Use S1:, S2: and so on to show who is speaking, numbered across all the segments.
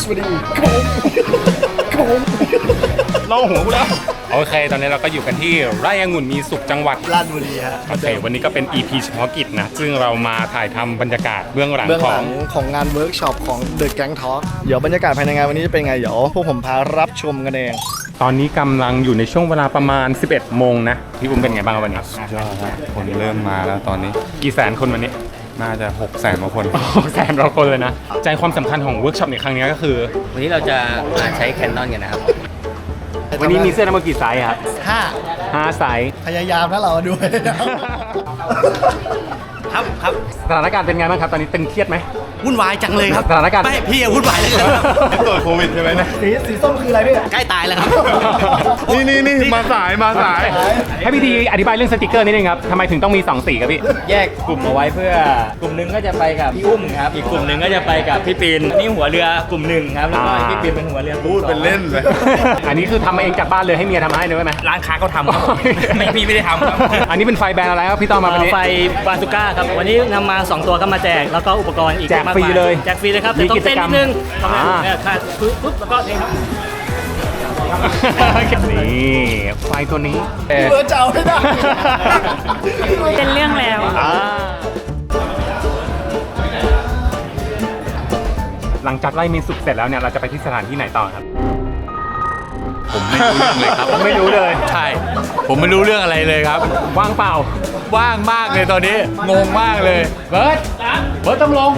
S1: สวัสดีครับผม
S2: เล่าหัวกูแล้วโอเคตอนนี้เราก็อยู่กันที่ไร่องุ่นมีสุขจังหวัด
S1: ราชบุรีฮะ
S2: โอเควันนี้ก็เป็น EP เฉพาะกิจนะซึ่งเรามาถ่ายทำบรรยากาศเบื้องหลัง
S1: ของงานเวิร์กช็อปของ The Gang Talk เดี๋ยวบรรยากาศภายในงานวันนี้จะเป็นไงเดี๋ยวพวกผมพารับชมกันเอง
S2: ตอนนี้กำลังอยู่ในช่วงเวลาประมาณ 11 โมงนะพี่อุ้มเป็นไงบ้างวันนี้
S3: ยอดครับคนเริ่มมาแล้วตอนนี้
S2: กี่แสนคนวันนี้
S3: น่าจะ600,000 กว่าคน
S2: 600,000 กว่าคนเลยนะใจความสำคัญของเวิร์กช็อปในครั้งนี้ก็คือ
S4: วันนี้เราจะใช้ Canon กันนะครับ
S2: วันนี้มีเสื้อทั้งหมดกี่ไซส์ครับ5ไซส์
S1: พยายามนะเราด้วย
S4: ครับ
S2: สถานการณ์เป็นไงบ้างครับตอนนี้ตึงเครียดไหม
S4: วุ่นวายจังเลยครับ
S2: สถานการณ์
S4: ไม่พี่วุ่นวายเลยครับ
S3: ตรวจโควิดใช่ไหมเนี่ย
S1: สีส้มคืออะไรพี่
S4: ใกล้ตายแล้วครับ
S3: นี่มาสาย
S2: ให้พี่ดีอธิบายเรื่องสติกเกอร์นิดนึงครับทำไมถึงต้องมี2สีครับพี่
S4: แยกกลุ่มเอาไว้เพื่อกลุ่มหนึ่งก็จะไปกับพี่อุ้มครับอีกกลุ่มหนึ่งก็จะไปกับพี่ปีนนี่หัวเรือกลุ่มหนึ่งครับแล้วก็พี่ปีนเป็นหัวเรือ
S3: พูดเป็นเล่นเลย
S2: อันนี้คือทำมาเองจากบ้านเลยให้เมียทำให้เลยไหม
S4: ร้านค้าเขาทำครับไม่พี่ไม่ได้ทำครับ
S2: อันนี้เป็นไฟแบรนด์อะไรครับพี่ต้อมมาวันนี้
S4: ไฟบาซูก้าครับวันนี้นำมา2ตัวก็มาแจกแล้วก็อุปกรณ์อีก
S2: แจกฟรีเลย
S4: แจกฟรีเลยครับแต่ต้องเต้นนิดนึงเนี่ยค่ะปุ๊บแล้วก็นี่ครับ
S2: นี่ไฟตัวนี้
S1: เบอร์เจ้าไม่ได้
S5: เป็นเรื่องแล้ว
S2: หลังจากไล่มีสุกเสร็จแล้วเนี่ยเราจะไปที่สถานที่ไหนต่อครับ
S3: ผมไม่รู้เรื่องเลยครับ
S2: ไม่รู้เลย
S3: ใช่ผมไม่รู้เรื่องอะไรเลยครับ
S2: ว่างเปล่า
S3: ว่างมากเลยตอนนี้งงมากเลย
S2: เบิร์ดต้องลง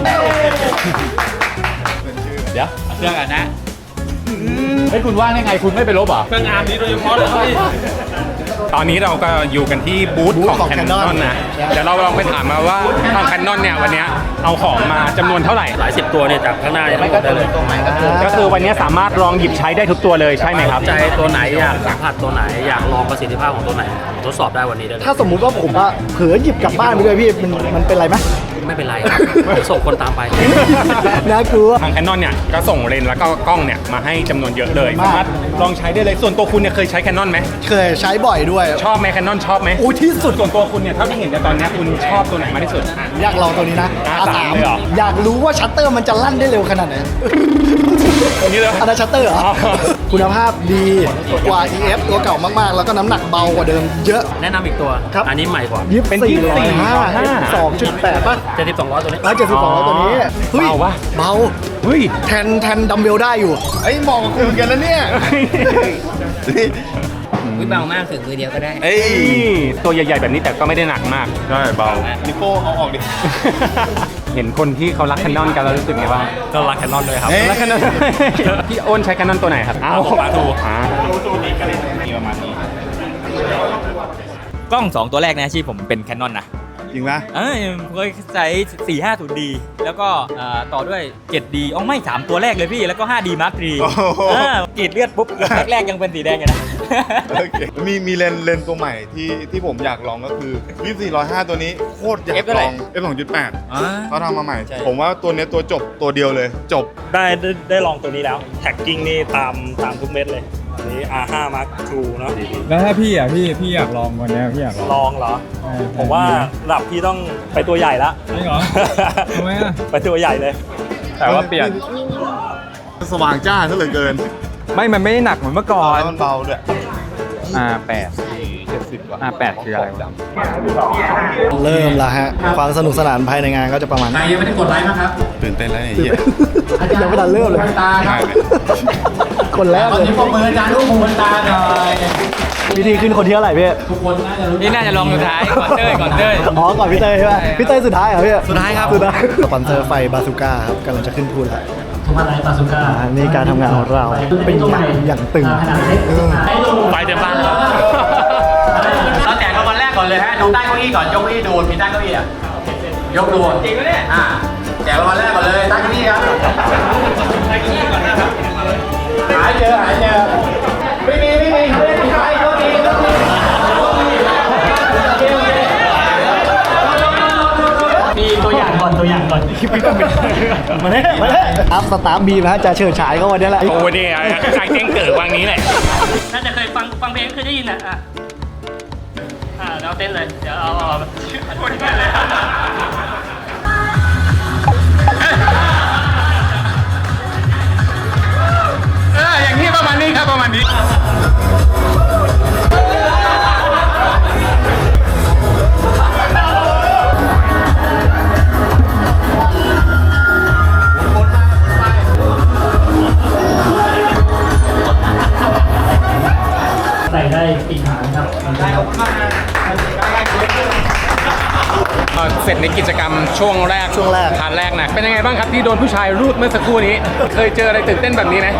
S3: เดี๋ยวเครื่องอ่ะนะ
S2: ให้คุณว่างได้ไงคุณไม่ไปลบเหรอ
S4: เครื่องอาร์มนี้โดยเฉพาะเลย
S2: ตอนนี้เราก็อยู่กันที่บูธของ Canon นะเดี๋ยวเราลองไปถามมาว่าทาง Canon เนี่ยวันนี้เอาของมาจำนวนเท่าไหร่
S4: หลาย10ตัวเนี่ยจากข้างหน้ายังไม่ได้เลย
S2: ก็คือวันนี้สามารถลองหยิบใช้ได้ทุกตัวเลยใช่ไหมครับ
S4: ใจตัวไหนอยากสัมผัสตัวไหนอยากลองประสิทธิภาพของตัวไหนทดสอบได้วันนี้ได้เลย
S1: ถ้าสมมุติว่าผมอะเผลอหยิบกลับบ้านไปด้วยพี่มันเป็นไรไหม
S4: ไม่เป็นไรส่งคนตามไป
S1: น่ากลัว
S2: ทาง Canon เนี่ยก็ส่งเลนส์แล้วก็กล้องเนี่ยมาให้จำนวนเยอะเลยสามารถลองใช้ได้เลยส่วนตัวคุณเนี่ยเคยใช้ Canon ไหม
S1: เคยใช้บ่อยด้วย
S2: ชอบไหม Canon ชอบไหม
S1: โอ้ที่สุด
S2: ส่วนตัวคุณเนี่ยเท่าที่เห็นในตอนนี้คุณชอบตัวไหนมากที่สุด
S1: อยากลองตัวนี้นะ
S2: R3เลยเหรอ
S1: อยากรู้ว่าชัตเตอร์มันจะลั่นได้เร็วขนาดไหน
S2: อันนี้เลย
S1: อันนั้นชัตเตอร์เหรอคุณภาพดีกว่า EF ตัวเก่ามากๆแล้วก็น้ำหนักเบากว่าเดิมเยอะ
S4: แนะนำอีกตัวอันนี้ใหม่กว่า
S1: เป็น2.8ป่ะ
S4: 7200ตัวนี้
S1: 7200ตัวนี้
S2: เบาปะ
S1: เบา
S2: เฮ้ย
S1: แทนดัมเบลได้อยู่
S3: ไอ้มองคุณกันแล้วเนี่ย
S4: เบามากถึงมือเดียวก็ได้
S2: ตัวใหญ่ๆแบบนี้แต่ก็ไม่ได้หนักมาก
S3: ใช่เบานิโก้เอาออกดิ
S2: เห็นคนที่เขารัก Canon กันแล้วรู้สึกไงบ้าง
S4: ก็รัก Canon ด้วยครับ
S2: รัก Canon พี่โอนใช้ Canon ตัวไหนครับ
S4: ปาทูตัวนี้ก็เลยมีประมาณนี้กล้อง2ตัวแรกในอาชีพผมเป็น Canon นะ
S3: จริงปะ
S4: เคยใช้ 450D แล้วก็ต่อด้วย 7D ไม่3ตัวแรกเลยพี่แล้วก็ 5D Mark III กรีดเลือดปุ๊บแรกๆยังเป็นสีแดงอยู่นะ
S3: มีเลนตัวใหม่ที่ผมอยากลองก็คือ24-105ตัวนี้โคตรอยากลอง F2.8 เขาทำมาใหม่ผมว่าตัวนี้ตัวจบตัวเดียวเลยจบ
S4: ได้ลองตัวนี้แล้วแท็กกิ้งนี่ตามทุกเม็ดเลยอันนี้ R5 Mark II เนาะ
S6: แล้วถ้าพี่พี่อยากลองวันนี้พี่อยาก
S4: ลองเหรอผมว่าระดับพี่ต้องไปตัวใหญ่ละ
S6: จริงเหรอทำไมอ่ะ
S4: ไปตัวใหญ่เลย
S6: แต่ว่าเปลี่ยน
S3: สว่างจ้าซะเหลือเกิน
S6: มันไม่ได้หนักเหมือนเมื่อก่อน
S3: มันเบาด้วย
S6: R8 70 กว่า R8 คืออะไรวะ
S1: เริ่มละฮะความสนุกสนานภายในงานก็จะประมาณนี้
S4: ยังไม่ได้กดไลค์นะครับ
S3: ตื่นเต้นแล้วเนี่ย
S1: ยังไม่ทันเริ่มเลยคนแรกเลย
S4: ปรบมือจานลูกหูตาหน่อย
S1: วิธีขึ้นคนที่เท่าไหร่พี่
S4: ทุกคนนี่น่าจะลองสุดท้ายก่อนเต้ยก่อน
S1: พี่เต้ยใช่ไหมพี่เต้ยสุดท้ายเหรอพี่
S4: สุดท้ายครับ
S1: สปอนเซอร์ไฟบาซูก้าครับกำลังจะขึ้นพูดแล้ว
S4: ทำอะไรบาซูก้า
S1: นี่การทำงานของเราเป็นอย่างตึง
S4: ไฟเต็มบ้านแล้วเราแจกกันวันแรกก่อนเลยฮะดูใต้เก้าอี้ก่อนยกเก้าอี้ดูมีใต้เก้าอี้อ่ะยกดูจริงไหมเนี่ยแจกวันแรกก่อนเลยใต้เก้าอี้ครับใต้เก้าอี้ก่อนนะครับหายเจอไม่มีไม่มีใครก็ดีมีตัวอย่างก่อนคลิปนี้ก็เป็น
S1: มาเลยอัพสตาร์บีนะจะเฉิดฉายเขาวันนี้แหละ
S2: โอ้เนี่ยใครแจ้งเกิดวังนี้แหละ
S4: น่าจะเคยฟังเพลงเคยได้ยินอ่ะเราเต้นเลยเดี๋ยวเอาพูดที่เลย
S2: เสร็จในกิจกรรมช่วงแรกพาร์ทแรกนะเป็นยังไงบ้างครับที่โดนผู้ชายรูดเมื่อสักครู่นี้ เคยเจออะไรตื่นเต้นแบบนี้ไหม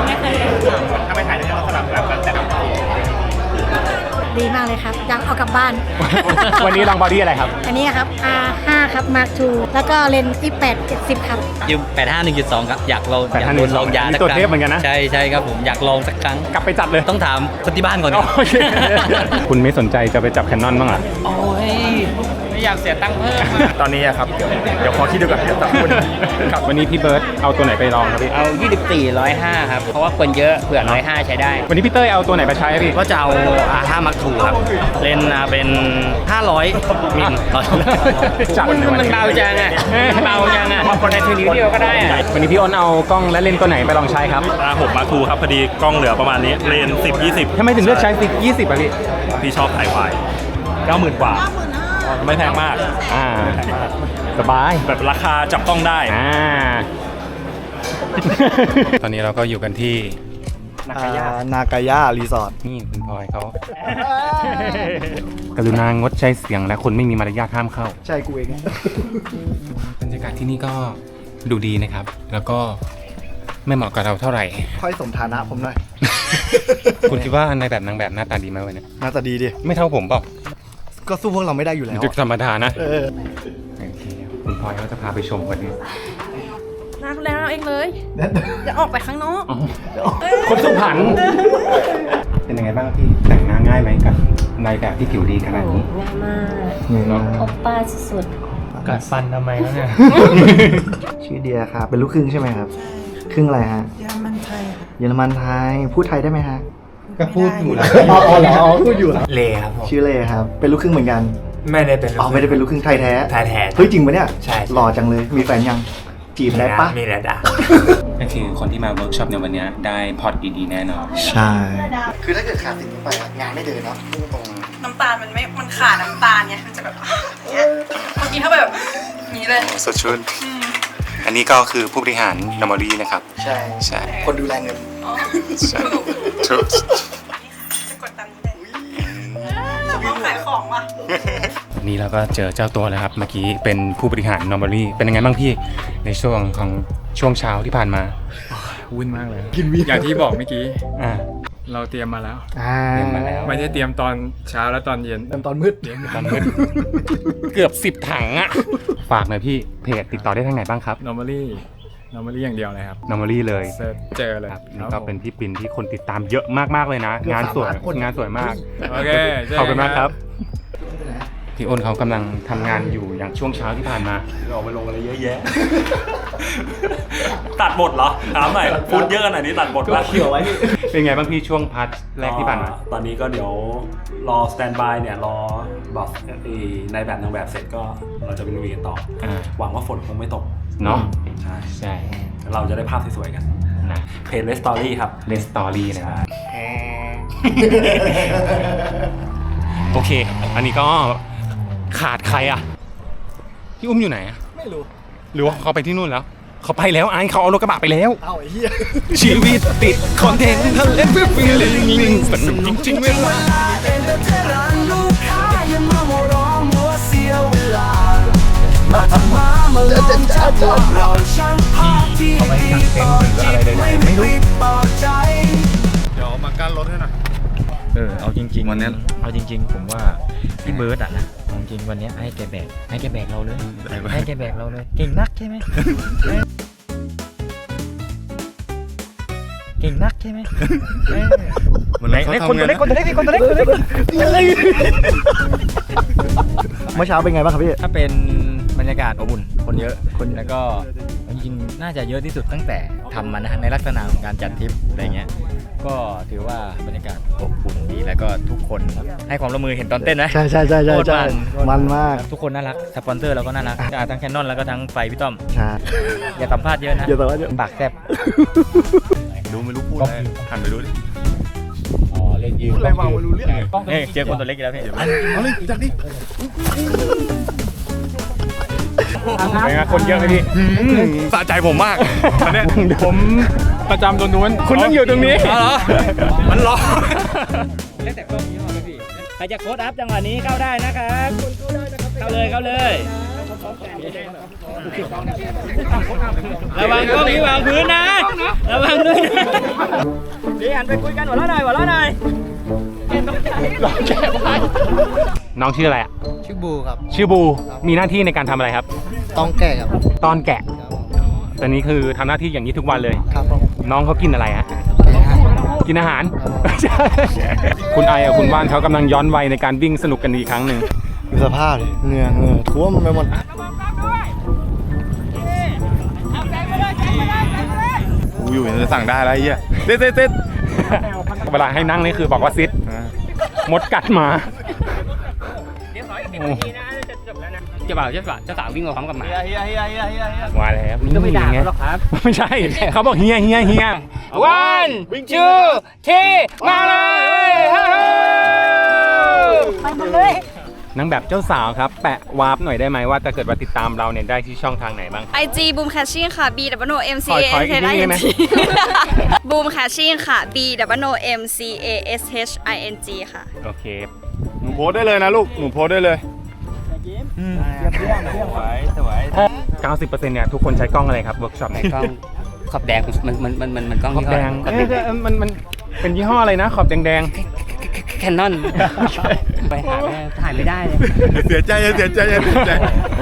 S7: ดีมากเลยครับยังเอากลับบ้าน
S2: วันนี้ลองบอดี้อะไรครับ
S7: อันนี้ครับ R5 ครับ Mark II แล้วก็เลนส์28 70 ครับ
S8: ยืม85 1.2 ครับ อยากลอง
S2: 85
S8: อยากลองยา
S2: นี่
S8: สัก
S2: ตัว
S8: ครั้ง
S2: เทพเหมือนกันนะ
S8: ใช่ใช่ครับผมอยากลองสักครั้ง
S2: กลับไปจัดเลย
S8: ต้องถามคนที่บ้านก่อนครับ
S2: โอเค คุณไม่สนใจจะไปจับแคนนอนบ้างเหรอ
S8: โอ้ยไม่อยากเสียตังค์เพิ่ม
S2: ตอนนี้อะครับ เดี๋ยวขอคิดดูก่อนเดี๋ยวตับคุณครับวันนี้พี่เบิร์ตเอาตัวไหนไปลองครับพี่
S8: เอา 24 105 ครับ เพราะว่าคนเยอะเผื่อ 105 ใช้ได้
S2: วันนี้พี่เต้ยเอาตัวไหนไปใช้อะพี่
S8: ก็จะเอา R5 Mark II ครับ เลนส์เป็น 500 มิล มันเบาจังอ่ะเบาจังอ่ะแต่ถือนิ้วเดียวก็ได้อ่ะ
S2: วันนี้พี่อ้นเอากล้องและเลนส์ตัวไหนไปลองใช้ครับ
S9: R6 Mark II ครับพอดีกล้องเหลือประมาณนี้เลนส์10-20
S2: ทำไมถึงเลือกใช้ฟิก20อะพี่
S9: พี่ชอบถ่ายวาย90,000 กว่า ไม่แพงมาก
S2: สบาย
S9: แบบราคาจับต้องได้
S2: ตอนนี้เราก็อยู่กันที่
S1: นากายารีสอร์ท
S2: นี่คุณพลอยเขา กรุณางดใช้เสียงและคนไม่มีมารยาทห้ามเข้า
S1: ใช่กูเอง
S2: บรรยากาศที่นี่ก็ดูดีนะครับ แล้วก็ไม่เหมาะกับเราเท่าไหร่
S1: ค่อยสมฐานะผมหน่อย
S2: คุณคิดว่าในแบบนางแบบหน้าตาดีไหมวันนี้
S1: หน่าตาดีดิ
S2: ไม่เท่าผมเปล่า
S1: ก็สู้พวกเราไม่ได้อยู่แล้ว
S2: จุดธรรมดานะ
S1: เออ
S2: โอเคคุณพลอยเขาจะพาไปชมวันนี้
S5: น้าดูแลเราเองเลย อย่าออกไปข้างนอก
S2: คนสุพรรณเป็นยังไงบ้างพี่แต่งหน้าง่ายไหมกับนายแบบที่ผิวดีขนาดนี้
S5: ง่ายมาก
S2: เนาะ
S5: โอป้าสุด
S8: กัดฟันทำไมแล้วเนี่ย
S1: ชื่อเดียครับ เป็นลูกครึ่งใช่ไหมครับ ครึ่งอะไรฮะ เยอรมันไทย เยอรมันไทย พูดไทยได้ไหมฮะ
S6: ก็พูดอยู่แล้ว
S1: อ๋อเหรอพูดอยู่เหรอ
S6: เลครับผม
S1: ชื่อเลครับ เป็นลูกครึ่งเหมือนกัน
S6: ไม่ได้เป็น
S1: อ๋อไม่ได้เป็นลูกครึ่งไทยแท้
S6: ไทยแท้
S1: เฮ้ยจริงปะเนี่ย
S6: ใช่
S1: หล่อจังเลย มีแฟนยัง จีบได้ปะ
S6: มีแล้วด่า
S2: ก็คือคนที่มาเวิร์กช็อปในวันนี้ได้พอร์ตดีๆแน่นอน
S1: ใช่ คือถ้าเกิดขาดสิ่งนี้ไปอะงานไม่เดินเนาะพูดตรง
S5: น้ำตาลมันขาดน้ำตาลไง มันจะแบบเมื่อกี้ถ้าแบบนี้เลย
S2: สดชื่น อันนี้ก็คือผู้บริหารนอมอรี่นะครับ
S1: ใช่
S2: ใช่
S1: คนดูแลเงิน
S2: ใช่ถูก
S5: จะกดตามนี้เลยต้องขายของว่ะ
S2: วันนี้เราก็เจอเจ้าตัวแล้วครับ เมื่อกี้เป็นผู้บริหารนอมอรี่เป็นยังไงบ้างพี่ในช่วงของช่วงเช้าที่ผ่านมา
S10: วุ่นมากเลย
S1: กินวี
S10: อย่างที่บอกเมื่อกี้
S2: อ่า
S10: เราเตรียมมาแล้ว
S2: เตรียมมาแล้ว
S10: ไม่ได้เตรียมตอนเช้าและตอนเย็น
S1: ตอนมืด
S2: ตอนมืดเกือบ10 ถังอะฝากหน่อยพี่เพจติดต่อได้ทางไหนบ้างครับ
S10: normally อย่างเดียวเลยครับ
S2: นอมอรี่เลย
S10: เซิร์ชเจอเลย
S2: ครับ
S10: ค
S2: นี่
S10: รับ
S2: ก็เป็นพี่ปิ่นที่คนติดตามเยอะมากๆเลยนะ งานสวยงานสวยมาก
S10: โอเคเจอกัน
S2: ขอบคุณมากครับ พี่อ้นเขากำลังทำงานอยู่อย่างช่วงเช้าที่ผ่านมา
S9: เราไปลงอะไรเยอะแยะ ตัดบทเหรอ ถามหน่อยพูดเยอะขนาดนี้ตัดบทป่ะ
S2: เป็นไงบ้างพี่ช่วงพาร์ทแรกที่ผ่านมา
S9: ตอนนี้ก็เดี๋ยวรอสแตนบายเนี่ยรอบอกในแบบนางแบบเสร็จก็เราจะไปลุยกันต่อ หวังว่าฝนคงไม่ตก
S2: เนาะ
S9: ใช่
S2: ใช่
S9: เราจะได้ภาพสวยๆกัน
S2: นะ
S9: เพจเลสตอรี่ครับ
S2: เลสตอรี่นะครับ โอเค อันนี้ก็ขาดใครอ่ะ พี่อุ้มอยู่ไหนอ่ะ
S1: ไม่รู้
S2: หรือว่าเขาไปที่นู่นแล้ว เขาไปแล้วไอ้เขาเอารถกระบะไปแล้ว
S1: เอ้าไอ้เหี้ย
S2: ชีวิตติดคอนเทนต์ทะเลฟิฟิลิงลิงสนุกจริงๆเวลา
S3: เดี๋ยวมากั้นรถให้หน่อย
S6: เอาจริงๆวันนี้เอาจริง ๆ ผมว่าพี่เบิร์ดอ่ะนะเอาจริงๆวันนี้ให้แกแบกเราเลย ให้แกแบกเราเลย เก่งนักใช่ไหมเก่งนักใช่ไหมคนตัวเล็ก
S1: เมื่อเช้าเป็นไงบ้างครับพี่
S6: ถ้าเป็นบรรยากาศอบอุ่นคนเยอะแล้วก็จริงๆน่าจะเยอะที่สุดตั้งแต่ทำมานะในลักษณะของการจัดทริปอะไรเงี้ยก็ถือว่าบรรยากาศอบอุ่นดีแล้วก็ทุกคนให้ความร่วมมือเห็นตอนเต้นนะ
S1: ใช่โคตรมันมาก
S6: ทุกคนน่ารักสปอนเซอร์เราก็น่ารักทั้งแคนนอนแล้วก็ทั้งไฟพี่ต้อม
S1: ใช่
S6: อย่าสัมภาษณ์เยอะนะ
S1: อย่าสัมภาษณ์เยอะ
S6: ปากแซบ
S9: ดูไม่รู้พูดอะไรหันไปดูดิ
S6: อ๋อเล่นยืน
S1: อะไรวางไม่รู้เรื่อง
S6: เจอคนตัวเล็กอีกแล้วพี่
S1: เอาเลยจากนี้
S2: เป็นไงคนเยอะไหมพี่
S9: สะใจผมมากอันเนี้ย
S10: ผมประจำตัวนู้น
S2: คุณต้องอยู่ตรงนี้
S9: อ๋อเหรอ มันร้อน
S6: เล่นแต่กล้องนี้มาพี่ใครจะโค้ดอัพจังหวะนี้เข้าได้นะครับเข้าเลย
S8: ระวังก็มีวางพื้นนะระวังด้วยดีหันไปคุยกันหัวเราะหน่อยหัวเราะหน่อย
S2: น้องชื่ออะไรอ่ะ
S6: ชื่อบูครับ
S2: ชื่อบู มีหน้าที่ในการทำอะไรครับ
S6: ต้องแก่ครับ
S2: ตอนแกะตอนนี้คือทำหน้าที่อย่างนี้ทุกวันเลย
S6: ครับผม
S2: น้องเขากินอะไรฮะ กินอาหาร คุณไอกับคุณว่านเขากำลังย้อนวัยในการวิ่งสนุกกันอีกครั้งหนึ่ง
S1: ดูสภาพดิเหงื่อท่วมไปหมด
S3: กูอยู่จะสั่งได้แล้วไอ้เหี้ยเต้เต้
S2: เวลาให้นั่งนี่คือบอกว่าซิดมดกัดมา
S8: เจ้าบ่าวเจ้าสาววิ่งมาพร้อมกับหมา
S2: ว่าแล้ว
S8: ก็ไม่ด่าเขาหรอกครับ
S2: ไม่ใช่ เขาบอกเฮีย
S8: วันจูที่มาเลย
S7: ไปหมดเลย
S2: นางแบบเจ้าสาวครับ แปะวาร์ปหน่อยได้ไหมว่าถ้าเกิดว่าติดตามเราเนี่ยได้ที่ช่องทางไหนบ้าง
S5: IG Boom Catching ค่ะ B W M C
S2: ขอ
S5: A
S2: อี
S5: S
S2: กนิด
S5: H I
S2: ได้
S5: N
S2: ไหม
S5: G Boom Catching ค่ะ B W M C A S H I N G ค่ะ
S2: โอเค
S3: หนูโพสได้เลยนะลูกหนูโพสได้เลย
S2: 90%เนี่ยทุกคนใช้กล้องอะไรครับเวิร์กช็อปใน
S8: กล้องขอบแดงมันกล้อง
S2: ขอบแดงมันเป็นยี่ห้ออะไรนะ ขอบแดง
S8: แคนนอนไปหาแม่ถ่ายไม่ได้เลย
S3: เสียใจโอ้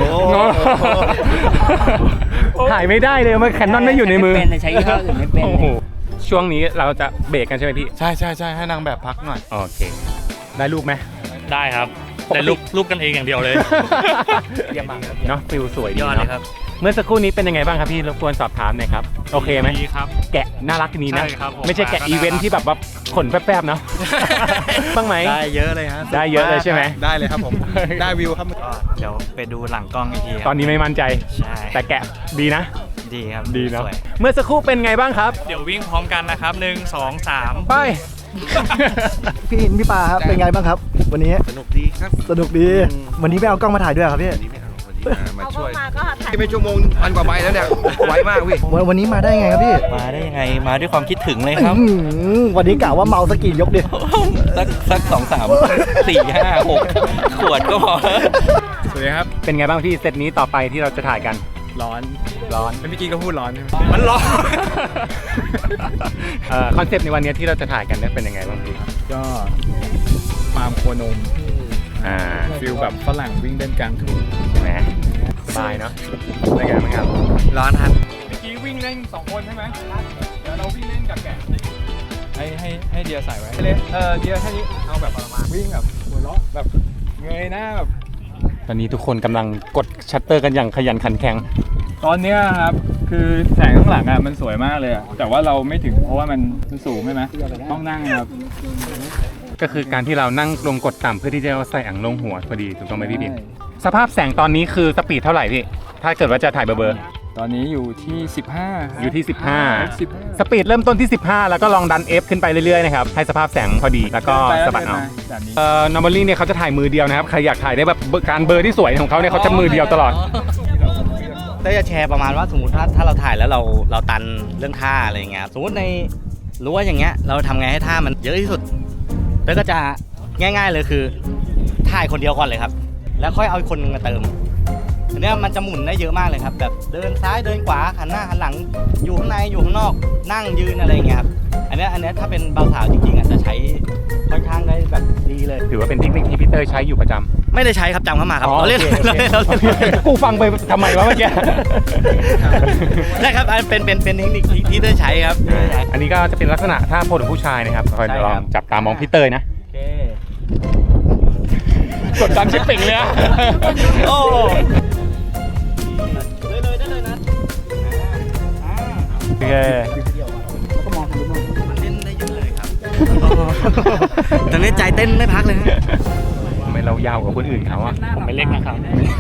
S2: ถ่ายไม่ได้เลยมันแคนนอนไม่อยู่ในมือ
S8: เป็นใช้ยี่ห้ออื่นไม่เป็น
S2: โอ้โหช่วงนี้เราจะเบรกกันใช่ไหมพี่
S3: ใช่ให้นางแบบพักหน่อย
S2: โอเค ได้รูปไหม
S11: ได้ครับแต่รูปกันเองอย่างเดียวเลย
S2: เยี่ยมมากเนาะฟิลสวยดี
S11: ยอดเลยครับ
S2: เมื่อสักครู่นี้เป็นยังไงบ้างครับพี่รบกวนสอบถามหน่อยครับโอเคไหม
S11: ดีครับ
S2: แกะน่ารักดีนะ
S11: ใช่ครับผม
S2: ไม่ใช่แกะอีเวนท์ที่แบบว่าขนแป๊บๆเนาะ บ้างไหม
S6: ได้เยอะเลยฮะ
S2: ได้เยอะเลยใช่ไหม
S6: ได้เลยครับผม ได้วิวครับเดี๋ยวไปดูหลังกล้องอีกที
S2: ตอนนี้ไม่มั่นใจ
S6: ใช่
S2: แต่แกะดีนะ
S6: ดีครับ
S2: ดีเนาะ
S6: สวย
S2: เมื่อสักครู่เป็นไงบ้างครับ
S11: เดี๋ยววิ่งพร้อมกันนะครับ1 2 3
S2: ไป
S1: พี่อินพี่ปาครับเป็นไงบ้างครับ วันนี้สนุกดีครับสนุกดีวันนี้ไม่เอากล้องมาถ่ายด้วยครับพี่
S7: มาช่วยมาก็ถ่าย
S12: ไม่ชั่วโมงพันกว่าใบแล้วเนี่ย ไวมากพี่
S1: วันนี้มาได้ไงครับพี่
S6: มาได้ยังไง มาด้วยความคิดถึงเลยครับ
S1: อื้อหือวันนี้กะว่าเมาสกกี่ยกดิ
S6: สัก2 3 4 5 6 ขวดก็พอ
S10: สวัสดีครับ
S2: เป็นไงบ้างพี่เซตนี้ต่อไปที่เราจะถ่ายกัน
S10: ร้อน
S2: ร้อน
S10: เมื่อกี้ก็พูดร้อนใช่ไหม
S2: มันร้อน คอนเซปต์ในวันนี้ที่เราจะถ่ายกันเนี่ยเป็นยังไงบ้างพี่
S10: ก็ฟาร์มโคนม ฟิลแบบฝรั่งวิ่งเล่นกลางทุ่ง
S2: ใช่ไหมสบายเนาะเป็นไงบ้างครับ
S6: ร้อนครับ
S10: เมื่อกี้วิ่งเล่น2 คนใช่ไหมเดี๋ยวเราวิ่งเล่นกับแกะให้เดียใส่ไว้เล่นเดียแค่นี้เอาแบบประมาณวิ่งแบบหัวเราะแบบเงยหน้าแบบ
S2: ตอนนี้ทุกคนกำลังกดชัตเตอร์กันอย่างขยันขันแข็ง
S10: ตอนเนี้ยครับคือแสงข้างหลังอ่ะมันสวยมากเลยอะแต่ว่าเราไม่ถึงเพราะว่ามันสูงใช่ไหมต้องนั่งครับ
S2: ก็คือการที่เรานั่งลงกดต่ำเพื่อที่จะใส่อ่างลงหัวพอดีถูกต้องไหมพี่บิ๊กสภาพแสงตอนนี้คือสปีดเท่าไหร่พี่ถ้าเกิดว่าจะถ่ายเบอร์
S10: ตอนนี้อยู่ที่15
S2: อยู่ที่ 15 สปีดเริ่มต้นที่ 15 แล้วก็ลองดัน F ขึ้นไปเรื่อยๆนะครับให้สภาพแสงพอดีแล้วก็สะบัดเอาnormally เนี่ยเขาจะถ่ายมือเดียวนะครับใครอยากถ่ายได้แบบการเบอร์ที่สวยของเขาเนี่ยเขาจะมือเดียวตลอด
S6: ได้จะแชร์ประมาณว่าสมมติถ้าเราถ่ายแล้วเราตันเรื่องท่าอะไรอย่างเงี้ยสมมติในรั้วอย่างเงี้ยเราทำไงให้ท่ามันเยอะที่สุดแล้วก็จะง่ายๆเลยคือถ่ายคนเดียวก่อนเลยครับแล้วค่อยเอาอีกคนนึงมาเติมอันเนี้ยมันจะหมุนได้เยอะมากเลยครับแบบเดินซ้ายเดินขวาหันหน้าหันหลังอยู่ข้างในอยู่ข้างนอกนั่งยืนอะไรอย่างเงี้ยครับอันเนี้ยถ้าเป็นเบาสาวจริงๆอ่ะจะใช้ค่อนข้างได้แบบดีเลย
S2: ถือว่าเป็นเทคนิคที่พีเตอร์ใช้อยู่ประจำ
S6: ไม่ได้ใช้ครับจำเข้ามาครับเราเล่น
S2: กูฟังไปทำไมวะเมื่อกี้
S6: ใช่ครับเป็นเทคนิคที่ได้ใช้ครับ
S2: อันนี้ก็จะเป็นลักษณะท่าโพสของผู้ชายนะครับคอยลองจับตามองพี่เตยนะกดดันชิปปิ่งเลยอะ
S6: โอ้
S2: โอเค
S6: มันเล่นได้เยอะเลยครับตอนนี้ใจเต้นไม่พักเลยฮะ
S2: ทำไมเรายาวกว่าคนอื่นเขาอะ
S11: ผมไม่เล็กนะครับ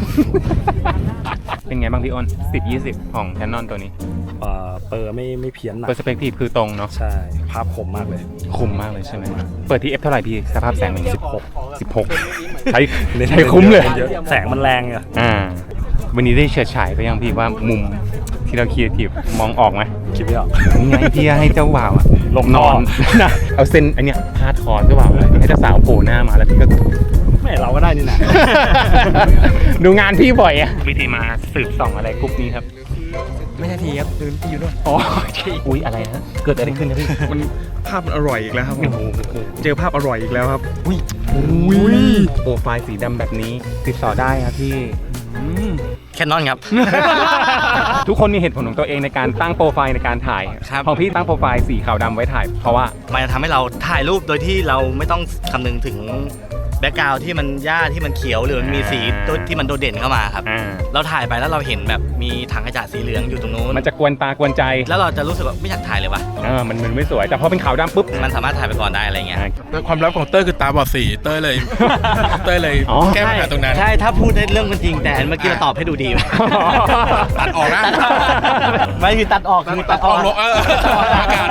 S2: เป็นไงบ้างพี่อ้น10-20 ของ Canon ตัวนี้
S9: เปอร์ไม่เพี้ยนหนัก
S2: Perspective คือตรงเนาะ
S9: ใช่ ภาพคมมากเลย
S2: คมมากเลยใช่ไหมเปิดที่ F เท่าไหร่พี่สภาพแสง16ใช้คุ้มเลย
S9: แสงมันแรงอะ
S2: วันนี้ได้เฉิดฉายไปยังพี่ว่ามุมที่เราคิดทีมองออกไหม
S9: คิดไม่ออก
S2: นี่ไงที่ให้เจ้าบ่าวอะหลบนอน เอาเส้นอันเนี้ยพาดคอเจ้าบ่าวเลยให้เจ้าสาวโผล่หน้ามาแล้วพี่ก็
S10: ไม่เราก็ได้นี่นะ
S2: ดูงานพี่บ่อยอะวิธีมาสืบส่องอะไรกรุ๊ปนี้ครับ
S12: ไม่ใช่ทีครับคือพี่อยู่ด้วย
S2: อ๋ออุ๊ยอะไรฮะเกิดอะไรขึ้นนะพี่
S12: มันภาพมันอร่อยอีกแล้วครับ
S2: โอ้โห
S12: เจอภาพอร่อยอีกแล้วครับ
S2: อุ้ยโปรไฟล์สีดำแบบนี้ติดต่อได้ครับพี่
S8: แคนนอนครับ
S2: ทุกคนมีเหตุผลของตัวเองในการตั้งโปรไฟล์ในการถ่าย
S8: ครับ
S2: ของพี่ตั้งโปรไฟล์สีขาวดำไว้ถ่าย เพราะว่า
S8: มันจะทำให้เราถ่ายรูปโดยที่เราไม่ต้องคำนึงถึงแบ็กกราวด์ที่มันหญ้าที่มันเขียวหรือมันมีสีที่มันโดดเด่นเข้ามาครับ เราถ่ายไปแล้วเราเห็นแบบมีถังกระจาดสีเหลืองอยู่ตรงนู้น
S2: มันจะกวนตากวนใจ
S8: แล้วเราจะรู้สึกว่าไม่อยากถ่ายเลยวะ
S2: มันไม่สวยแต่พอเป็นขาวดำปุ๊บ
S8: มันสามารถถ่ายไปก่อนได้อะไรเงี้ย
S13: ความลับของเต้ยคือตาบอดสีเต้ยเลย แก้ปัญหาตรงนั้น
S8: ใช่ถ้าพูดได้เรื่องมันจริงแต่เมื่อกี้เราตอบให้ดูดี
S13: ตัดออกนะ
S8: ไม่คือตัดออกคือตัดออก
S13: อากาศ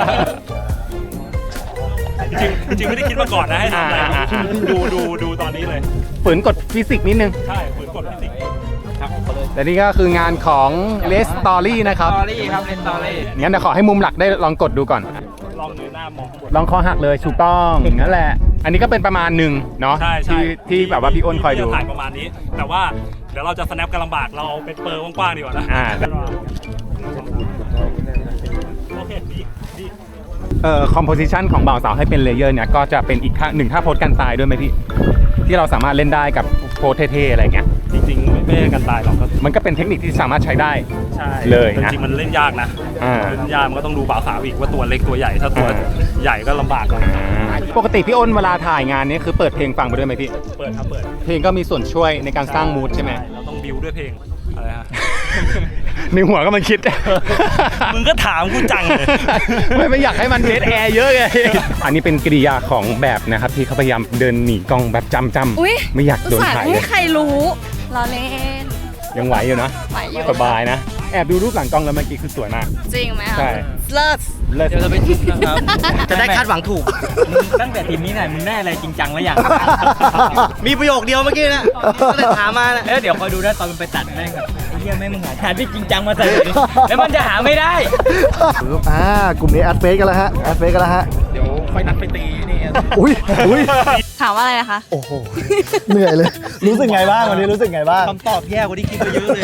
S9: จริงไม่ได้คิดมาก่อนนะให้ทำอะไรดูตอนนี้เลย
S2: ฝืนกฎฟิสิกส์นิดนึง
S9: ใช่ฝืนกฎฟิสิกส์ครับ
S2: แต่นี่ก็คืองานของ Les Story นะครับ
S10: Story ครับ Les Story
S2: งั้นเดี๋ยวขอให้มุมหลักได้ลองกดดูก่อน
S9: ลองเงยหน้ามองข้างบน
S2: ลองคอหักเลยถูกต้องนั่นแหละ อันนี้ก็เป็นประมาณหนึ่งเนาะ
S9: ใช่
S2: ที่แบบว่าพี่อ้นคอยดู
S9: ถ่ายประมาณนี้ แต่ว่าเดี๋ยวเราจะ snap กันลำบากเราเอาเป็นเปอร์กว้างๆดีกว่านะ โอเคดี
S2: คอมโพสิชันของบ่าวสาวให้เป็นเลเยอร์เนี่ยก็จะเป็นอีกหนึ่งท่าโพสกันตายด้วยไหมพี่ ที่เราสามารถเล่นได้กับโพสเท่ๆอะไรเงี้ย
S9: จริงๆไม่ได้กันตายหรอก
S2: มันก็เป็นเทคนิคที่สามารถใช้ได้
S9: ใช่
S2: เลยนะ
S9: จริงๆมันเล่นยากนะเล่นยากมันก็ต้องดูบ่าวสาวอีกว่าตัวเล็กตัวใหญ่ถ้าตัวใหญ่ก็ลำบากหน่อย
S2: ปกติพี่อ้นเวลาถ่ายงานนี้คือเปิดเพลงฟังไปด้วยไหมพี่
S9: เปิดครับเปิด
S2: เพลงก็มีส่วนช่วยในการสร้างมูดใช่ไหม
S9: เราต้องบิวด้วยเพลงอะไรฮะ
S2: ในหัวก็มันคิด
S9: มึงก็ถามกูจังเลย
S2: ไม่อยากให้มันเดทแอร์เยอะไง อันนี้เป็นกริยาของแบบนะครับที่เขาพยายามเดินหนีกล้องแบบจำ
S5: อุ๊ย
S2: ไม่อยากโดนถ่าย
S5: ไม่
S2: เล
S5: ให้
S2: ย
S5: ใครรู้เราเล่น
S2: ยังไหวอยู่นะ
S5: ไหวอยู่
S2: สบายนะ แอบดูรูปหลังกล้องแล้วเมื่อกี้คือสวยมาก
S5: จริงไหมอ่ะ
S2: ใช่
S5: เลิศ
S2: เลิศ
S10: เดี๋ยวเราไปจุดนะครับ
S8: จะได้คาดหวังถูก
S10: ตั้งแต่ทีมนี้ไหนมึงได้อะไรจริงจังแล้วอย่าง
S8: มีประโยคเดียวเมื่อกี้นะก็เลยถามมานะ
S10: เดี๋ยวคอยดูนะตอนมันไปตัดแม่งแบบไอ้เหี้ยแม่งมึงหาที่จริงจังมาใส่เลยแล้วมันจะหาไม่ได้
S1: กลุ่มนี้แอดเฟซกันแล้วฮะแอดเฟซกันแล้วฮะ
S10: เดี๋ยวค่อยนัดไปตีนี่
S1: อุ้ย
S5: ถามว่าอะไรนะคะ
S1: โอ้โหเหนื่อยเลย รู้สึกไงบ้างวันนี้รู้สึกไงบ้าง
S8: คำตอบแย่กว่าที่คิดไปเยอะเลย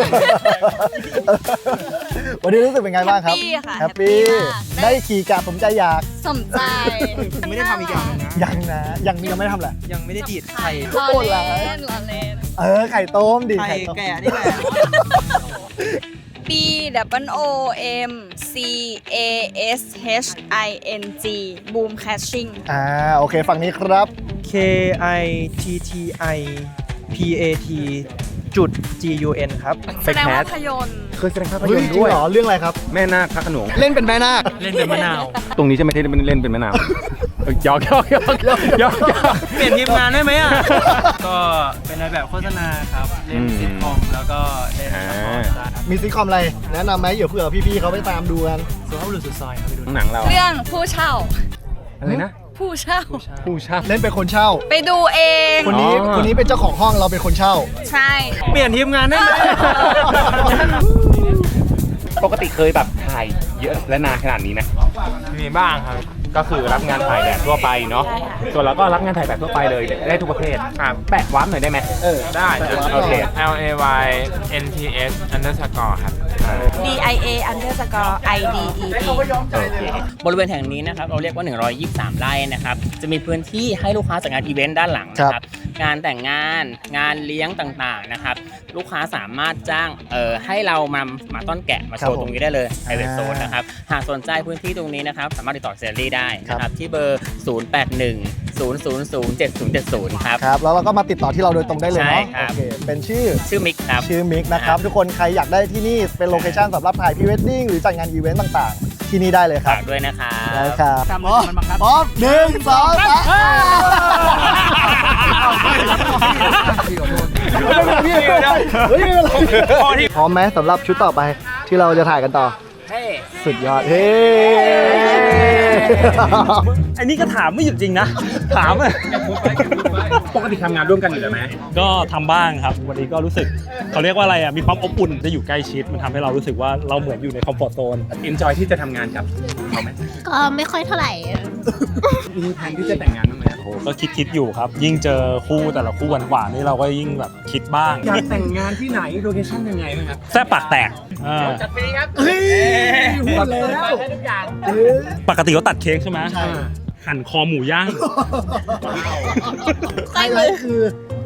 S1: วันนี้รู้สึกเป็นไงบ้างครับ
S5: แฮปปี้ค่ะ
S1: แฮปปี้
S5: แฮปปี้มาก
S1: ได้ขี่กะผมใจอยาก
S5: สมใจ
S8: ไม่ได้ทำอีกอย่างนึงนะ
S1: ยังไม่ทำแหละ
S8: ยังไม่ได้ดีดไข่
S5: รอเล่นรอเล่น
S1: ไข่ต้มดิ
S8: ไข่
S1: ไข่ต้ม
S8: แก่นี่แหละ
S5: B O M C A S H I N G Boom Catching
S1: โอเคฝั่งนี้ครับ
S8: K I T T I P A T จุด G U N ครับ
S5: แสดงว่าภาพยนตร์
S2: เคยแสดงภาพ
S1: เฮ้
S2: ย
S1: ย
S2: นตร์
S1: จริง
S2: ด้วย
S1: เหรอเรื่องอะไรครับ
S2: แม่นาคพระโขนง
S1: เล่นเป็นแม่นาค
S10: เล่นเป็นมะนาว
S2: ตรงนี้จะไม่ได้เล่นเป็นมะนาวหยอก
S8: เปลี่ยนทีมงานได้ไหมอ่ะ
S10: ก็เป็นในแบบโฆษณาครับ เล่นซิทคอมแล้วก็เล่นละครได้ครับ
S1: มีซิทคอมอะไรแนะนำไหมเดี๋ยวเผื่อพี่ๆเขาไปตามดูกัน
S10: สุภาพบุรุษสุดซอยครับไปดู
S2: หนังเรา
S5: เรื่องผู้เช่า
S2: อะไรนะ
S5: ผู้เช่า
S2: ผู้เช่า
S1: เล่นเป็นคนเช่า
S5: ไปดูเอง
S1: คนนี้เป็นเจ้าของห้องเราเป็นคนเช่า
S5: ใช่
S8: เปลี่ยนทีมงานได้ไหม
S2: ปกติเคยแบบถ่ายเยอะและนานขนาดนี้ไหม
S10: มีบ้างครับ
S2: ก็คือรับงานถ่ายแบบทั่วไปเนาะ ส่วนเราก็รับงานถ่ายแบบทั่วไปเลยได้ทุกประเภทแปะวาร์ปหน่อยได้ไหม
S10: ได้
S2: โอเค
S10: L A Y N T S underscore ครับ
S5: D I A underscore I D E E
S14: บริเวณแห่งนี้นะครับเราเรียกว่า123 ไร่นะครับจะมีพื้นที่ให้ลูกค้าจัดงานอีเวนต์ด้านหลังนะครับงานแต่งงานงานเลี้ยงต่างๆนะครับลูกค้าสามารถจ้างให้เรามาต้อนแกะมาโชว์ตรงนี้ได้เลย private zone นะครับหากสนใจพื้นที่ตรงนี้นะครับสามารถติดต่อเซลลี่ได้นะครับที่เบอร์ 0810007070 ครับ
S1: ครับแล้วเราก็มาติดต่อที่เราโดยตรงได้เลยเนาะ
S14: ใช่ครับ
S1: โอเคเป็นชื่อ
S14: มิกครับ
S1: ชื่อมิกนะครับทุกคนใครอยากได้ที่นี่เป็นโลเคชั่นสำหรับถ่ายพรีเวดดิ้งหรือจัดงานอีเวนต์ต่างๆ ที่นี่ได้เลยครับ
S14: ฝากด้วยนะครับ
S1: ได้ครับ
S10: ทำเลยมันบังคับ
S1: พร้อม1 2 3พร้อมไหมสำหรับชุดต่อไปที่เราจะถ่ายกันต่อ สุดยอด เฮ้
S9: อันนี้ก็ถามไม่หยุดจริงนะ ถามอะ
S2: ปกติทำงานร่วมกันอยู่แล้วไหม
S9: ก็ทำบ้างครับ วันนี้ก็รู้สึกเขาเรียกว่าอะไรอ่ะ มีความอบอุ่นจะอยู่ใกล้ชิด มันทำให้เรารู้สึกว่าเราเหมือนอยู่ในคอมฟอร์ตโซน
S2: enjoy ที่จะทำงานกับเขาไหม
S7: ก็ไม่ค่อยเท่าไหร่
S2: มีแผนที่จะแต่งงานบ้างไหม
S9: โอ้โหก็คิดอยู่ครับ ยิ่งเจอคู่แต่ละคู่หวานๆนี่เราก็ยิ่งแบบคิดบ้าง
S2: อยากแต่งงานที่ไหนโลเคชั่นยังไงบ้างครับ
S9: แซ่บปากแตก
S14: จัดฟรีครับ
S2: เฮ้ยพูดแล้ว
S14: ได้ทุกอย่าง
S9: ปกติเขาตัดเค้กใช่ไหมหั่นคอหมูย่าง
S1: ไฮไลท์คือ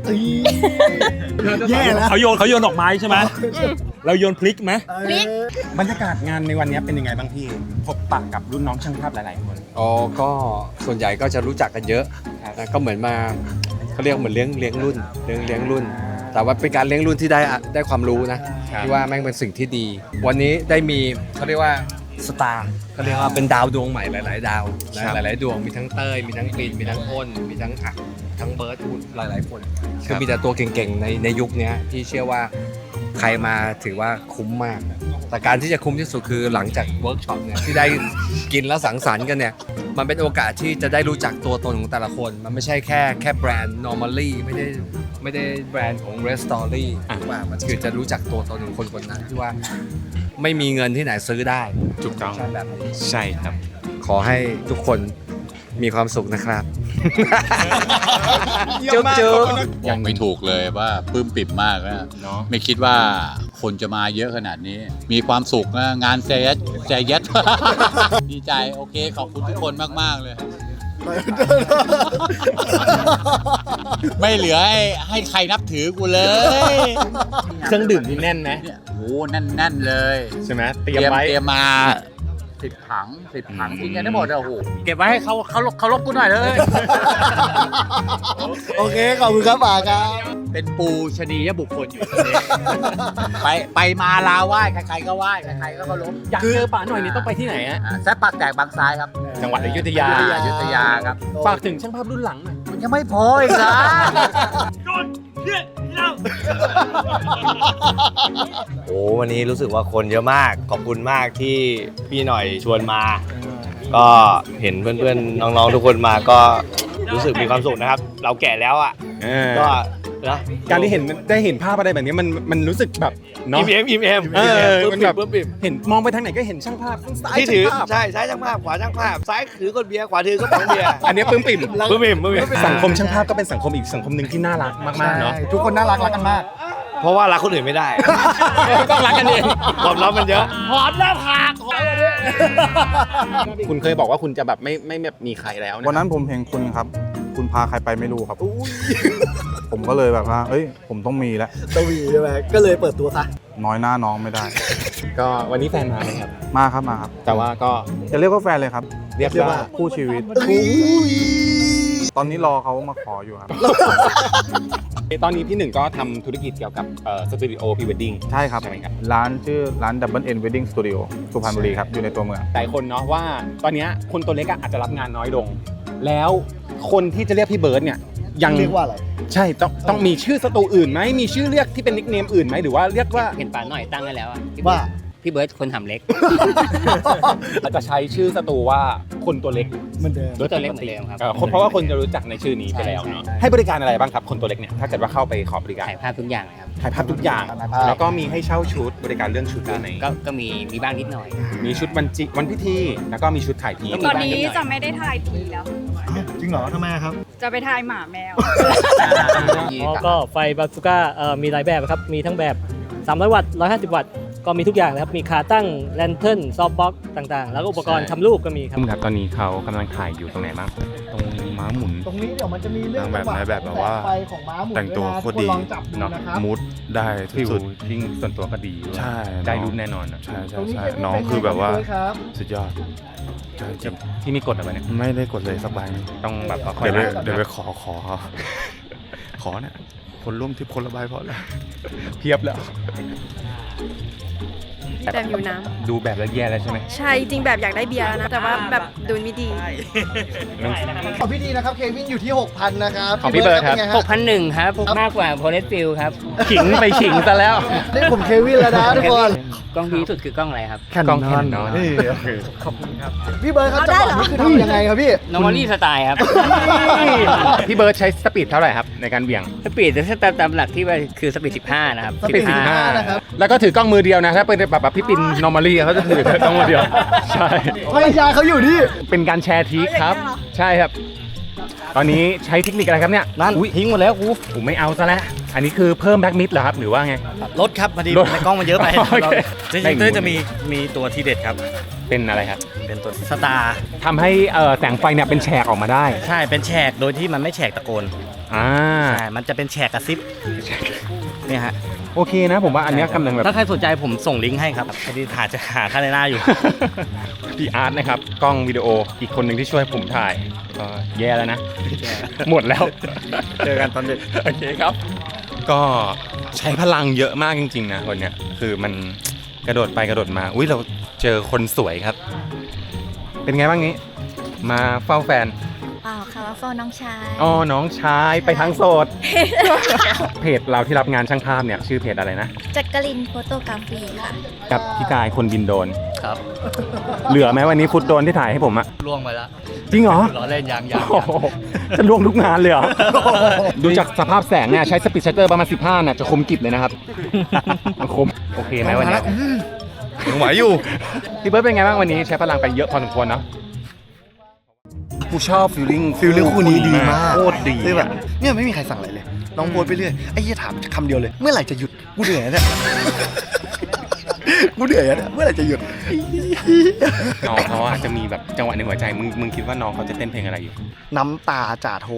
S1: แย่แล้ว
S9: เขาโยนดอกไม้ใช่ไหมเราโยนพลิกไหม
S5: พลิก
S2: บรรยากาศงานในวันนี้เป็นยังไงบ้างพี่พบปะกับรุ่นน้องช่างภาพหลายๆคน
S15: อ๋อก็ส่วนใหญ่ก็จะรู้จักกันเยอะนะก็เหมือนมาเขาเรียกเหมือนเลี้ยงรุ่นเลี้ยงรุ่น แต่ว่าเป็นการเลี้ยงรุ่นที่ได้ความรู้นะที่ว่าแม่งเป็นสิ่งที่ดี วันนี้ได้มีเขาเรียกว่าสตาร์เขาเรียกว่าเป็นดาวดวงใหม่หลายๆดาวนะหลายๆดวงมีทั้งเต้ยมีทั้งกรีนมีทั้งอ้นมีทั้งอักทั้งเบิร์ดหลายๆคนคือมีแต่ตัวเก่งๆในยุคนี้ที่เชื่อว่าใครมาถือว่าคุ้มมาก แต่การที่จะคุ้มที่สุดคือหลังจากเวิร์กช็อปเนี่ยที่ได้กินแล้วสังสรรค์กันเนี่ยมันเป็นโอกาสที่จะได้รู้จักตัวตนของแต่ละคนมันไม่ใช่แค่แบรนด์ normally ไม่ได้แบรนด์ของ Red Story ว่ามันคือจะรู้จักตัวตนของคนคนนั้นที่ว่าไม่มีเงินที่ไหนซื้อได้
S2: ถูกต้อง
S15: แบบนี้
S2: ใช่ครับ
S15: ขอให้ทุกคนมีความสุขนะครับ
S16: จุ๊บบอกไม่ถูกเลยว่าปลื้มปิ่มมากนะไม่คิดว่าคนจะมาเยอะขนาดนี้ มีความสุขนะงานใจยัด ดีใจโอเคขอบคุณทุกคนมากๆเลย ไม่เหลือให้ใครนับถือกูเลย
S2: เครื่องดื่มนี่แน่นไหม
S16: โอ้แน่นเลย
S2: ใช่ไหมเตรียม
S16: มา10 ถังกินกันได้หมดโอ้โหเก็บไว้ให้เขาลบกูหน่อยเลย
S1: โอเคขอบคุณครับป๋าครับ
S16: เป็นปูชนียบุคคลอยู่ตรงนี้ ไปมาลาไหว้ใครๆก็ไหว้ใครๆก็เคารพ
S2: อยากเจอป๋าหน่อยนี่ต้องไปที่ไหนฮะ
S16: แซ่บปากแตกบางซ้ายครับ
S2: จังหวัดอยุธยา
S16: ครับ
S2: ฝากถึงช่างภาพรุ่นหลังหน่อย
S16: มันยังไม่พออีกนะ
S17: โอ้วันนี้รู้สึกว่าคนเยอะมากขอบคุณมากที่พี่หน่อยชวนมา ก็เห็นเพื่อนๆน้องๆทุกคนมาก็รู้สึกมีความสุขนะครับ เราแก่แล้วอ่ะก็นะ
S2: การที่ได้เห็นภาพอะไรแบบนี้มันรู้สึกแบบเนาะ
S17: อิ่ม
S2: มันแบบเห็นมองไปทางไหนก็เห็นช่างภาพซ้าย
S17: ที่ถือใช่ซ้ายช่างภาพขวาช่างภาพซ้ายถือก้นเบียร์ขวาถือก้นป๋องเบียร์
S2: อันนี้ปลื้มปิ่มสังคมช่างภาพก็เป็นสังคมอีกสังคมหนึ่งที่น่ารักมากๆเนาะ
S1: ทุกคนน่ารักกันมาก
S17: เพราะว่ารักคนอื่นไม่ได้
S2: ต้องรักกันเอง
S17: ความรักมันเยอะ
S2: หอมหน้าผากคุณเคยบอกว่าคุณจะแบบไม่แบบมีใครแล้วะ
S18: วันนั้นผมเห็นคุณครับ คุณพาใครไปไม่รู้ครับ ผมก็เลยแบบว่าเอ้ยผมต้องมีแล้ว
S1: ต้องมีใช่ไหมก็เลยเปิดตัวซะ
S18: น้อยหน้าน้องไม่ได้
S2: ก็วันนี้แฟนมาไหมครับ
S18: มาครับ
S2: แต่ว่าก็
S18: จะเรียกว่าแฟนเลยครับ
S2: เรียกว่า
S18: คู่ชีวิต ตอนนี้รอเขามาขออยู่ครับ
S2: ตอนนี้พี่หนึ่งก็ทำธุรกิจเกี่ยวกับสตูดิโอพรีเวดดิ้ง
S18: ใช่ครับ
S2: ใช่ไหมครับ
S18: ร้านชื่อร้าน Double N Wedding Studio สุพรรณบุรีครับ อยู่ในตัวเมือง
S2: หลายคนเนาะว่าตอนนี้คนตัวเล็กอาจจะรับงานน้อยลง แล้วคนที่จะเรียกพี่เบิร์ดเนี่ยยัง
S1: เรียกว่าอะไร
S2: ใช่ต้องมีชื่อสตูอื่นไหมมีชื่อเรียกที่เป็นนิคเนมอื่นไหมหรือว่าเรียกว่า
S14: เห็นป๋าหน่อยตั้งให้แล้วอะ
S1: ว่า
S14: พี่เบิร์ดคนทำเล็ก
S2: อาจจะใช้ชื่อสตูว่าคนตัวเล็ก
S1: เหมือนเดิม
S14: ตัวเล็กเหมือนเดิมครับ
S2: เพราะว่าคนจะรู้จักในชื่อนี้ไปแล้วเนาะให้บริการอะไรบ้างครับคนตัวเล็กเนี่ยถ้าเกิดว่าเข้าไปขอบริการ
S14: ถ่ายภาพทุกอย่างเลยครับ
S2: ถ่ายภาพทุกอย่าง แล้วก็มีให้เช่าชุดบริการเรื่องชุดด้วยไหม
S14: ก็มีบ้างนิดหน่อย
S2: มีชุดวันพิธีแล้วก็มีชุดถ่ายที
S5: ตอนนี้จะไม่ได้ทายทีแล้ว
S1: จริงเหรอทำไมครับ
S5: จะไปทายหมาแมว
S19: ก็ไฟบาซูก้ามีหลายแบบครับ มีทั้งแบบ300 วัตต์ 150 วัตต์ ก็มีทุกอย่างเลยครับ มีขาตั้งแลนเทิร์นซอฟต์บ็อกซ์ต่างๆ แล้วก็อุปกรณ์ทำรูปก็มีครับ
S2: ครับตอนนี้เขากำลังถ่ายอยู่ตรงไหนบ้างตรงม้าหมุน
S1: ตรงนี้เดี๋ยวมันจะมีเรื่อง
S3: แบบไหนแบบว่า
S1: ไฟของม้าหมุน
S3: แต่งตัวโคตรดี
S1: ลองจับดูนะครับ
S3: มูดได้
S2: ฟิล
S3: สุด
S2: ยิ่งส่วนตัวก็ดี
S3: ใช่
S2: ได้รูปแน่นอนนะ
S3: ใช่น้องคือแบบว่าสุดยอด
S2: ที่มีกฎอะไรเนี่ย
S3: ไม่ได้กดเลยสักใบ
S2: ต้องแบบว่า
S3: เดี๋ยวไปขอขอเนี่ยคนร่วมทริปคนละใบพอแล้ว
S2: เพียบแล้ว
S20: แบบอยู่น้
S2: ดูแบบแล้วแย่แล้วใช่ไหม
S20: ำใช่จริงแบบอยากได้เบียร์แล้วนะ แต่ว่าแบบดูไม่ดี
S1: ของพี่ดีนะครับเควินอยู่ที่ 6,000 นะครับ
S2: ของพี่เบิร์ดครับ
S1: ป็นไงฮะ
S14: 6,100 ครับมากกว่าโพเลสฟิลครับ
S2: ขิงไปขิงซะแล้ว
S1: นี่ผมเควินแล้วนะทุกคน
S14: กล้องดีที่สุดคือกล้องอะไรครับ
S2: กล้อง Canon
S14: ขอบคุณครับ
S1: พี่เบิร์ดครับจังหวะนี้คือทำยังไงครับพี่
S14: normally สไตล์ครับ
S2: พี่เบิร์ดใช้สปีดเท่าไหร่ครับในการเบี่ยง
S14: สปีดจะตามหลักที่ว่าคือสปีด 15 นะครับ
S2: สปีด15นะครับแล้วก็ถือกล้องมือเดียวนะถ้าเป็นแบบพี่ปิน normally เขาจะถือกล้องมือเดียวใช่
S1: ภรรยาเขาอยู่นี่
S2: เป็นการแชร์ทริคครับใช่ครับตอนนี้ใช้เทคนิคอะไรครับเนี่ยนั่นทิ้งหมดแล้วกูผมไม่เอาซะแล้วอันนี้คือเพิ่มแบ็กมิดเหรอครับหรือว่าไง
S8: ลดครับพอดีในกล้องมันเยอะไป
S2: โอเค
S8: จริงๆเต้ยจะมีตัวทีเด็ดครับ
S2: เป็นอะไรครับ
S8: เป็นตัวสตาร์
S2: ทำให้แสงไฟเนี่ยเป็นแฉกออกมาได้
S8: ใช่เป็นแฉกโดยที่มันไม่แฉกตะโกนใช่มันจะเป็นแฉกกระซิบเนี่ยฮะ
S2: โอเคนะผมว่าอันเนี้ยกำลังแบบ
S8: ถ้าใครสนใจผมส่งลิงก์ให้ครับพอดีจะหาค่าในหน้าอยู่
S2: พี่อาร์ตนะครับกล้องวิดีโออีกคนหนึ่งที่ช่วยผมถ่ายก็แย่แล้วนะ หมดแล้ว
S8: เจอกันตอนดึก
S2: โอเคครับ ก็ใช้พลังเยอะมากจริงๆนะคนเนี้ยคือมันกระโดดไปกระโดดมาอุ้ยเราเจอคนสวยครับ เป็นไงบ้างนี้ มาเฝ้าแฟน
S7: เปล่าค่ะว่าเฝ้าน้องชาย
S2: อ๋อน้องชายไปทั้งโสด เพจเราที่รับงานช่างภาพเนี่ยชื่อเพจอะไรนะ
S7: จักรินโฟโตกราฟีค่ะ
S2: กับพี่กายคนบินโดรน
S8: ครับ
S2: เหลือไหมวันนี้ฟุตโดรนที่ถ่ายให้ผมอะ
S8: ล่วงไปแล้ว
S2: จริงเหรอ
S8: ล้อเล่นยัง
S2: โอ้โหจะล่วงทุกงานเลยเหรอ ดูจากสภาพแสงเนี่ยใช้สปีดชัตเตอร์ประมาณ15เนี่ยจะคมกริบเลยนะครับมันคมโอเคไหมวันนี้
S3: ยังไหวอยู่
S2: พี่เบิร์ดเป็นไงบ้างวันนี้ใช้พลังไปเยอะพอสมควรเนาะกูชอบฟีลลิ่ง
S1: คู่นี้ดีมาก
S2: โคตรดี
S1: คือแบบเนี่ยไม่มีใครสั่งอะไรเลยน้องโพสไปเรื่อยไอ้เหี้ยถามคำเดียวเลย เมื่อไหร่จะหยุดกูเหนื่อยแล้วเนี่ยกูเหนื่อยแล้วเนี่ยเมื่อไหร่จะหยุด
S2: น้องเขาอาจจะมีแบบจังหวะในหัวใจมึงคิดว่าน้องเขาจะเต้นเพลงอะไรอยู่
S1: น้ำตาจ่าโท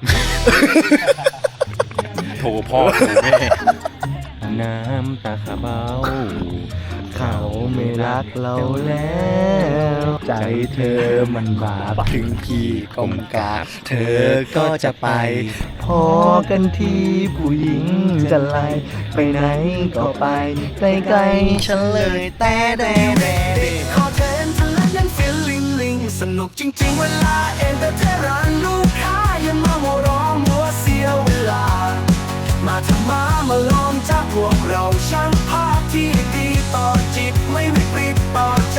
S2: โถพ่อโถแม่น้ำตาขาเบาเขาไม่รักเราแล้วใจเธอมันบาปถึงพี่กลมกราบเธอก็จะไปพอกันที่ผู้หญิงจะไล่ไปไหนก็ไปใกล้ๆฉันเลยแต่
S21: ขอเชิญเธอนั้นฟีลลิ่งสนุกจริงๆเวลาเอ็นเตอร์เทนรันลูกค้าอย่ามาโมร้องมัวเสียเวลามาทำมาลองจากพวกเราช่างภาพที่ดีต่อจิตไม่วิปริตต่อใจ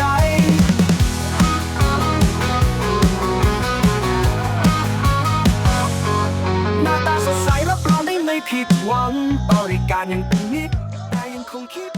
S21: หน้าตาสดใสรับรองได้ไม่ผิดหวังบริการยังเป็นมิตรแต่ยังคงคิด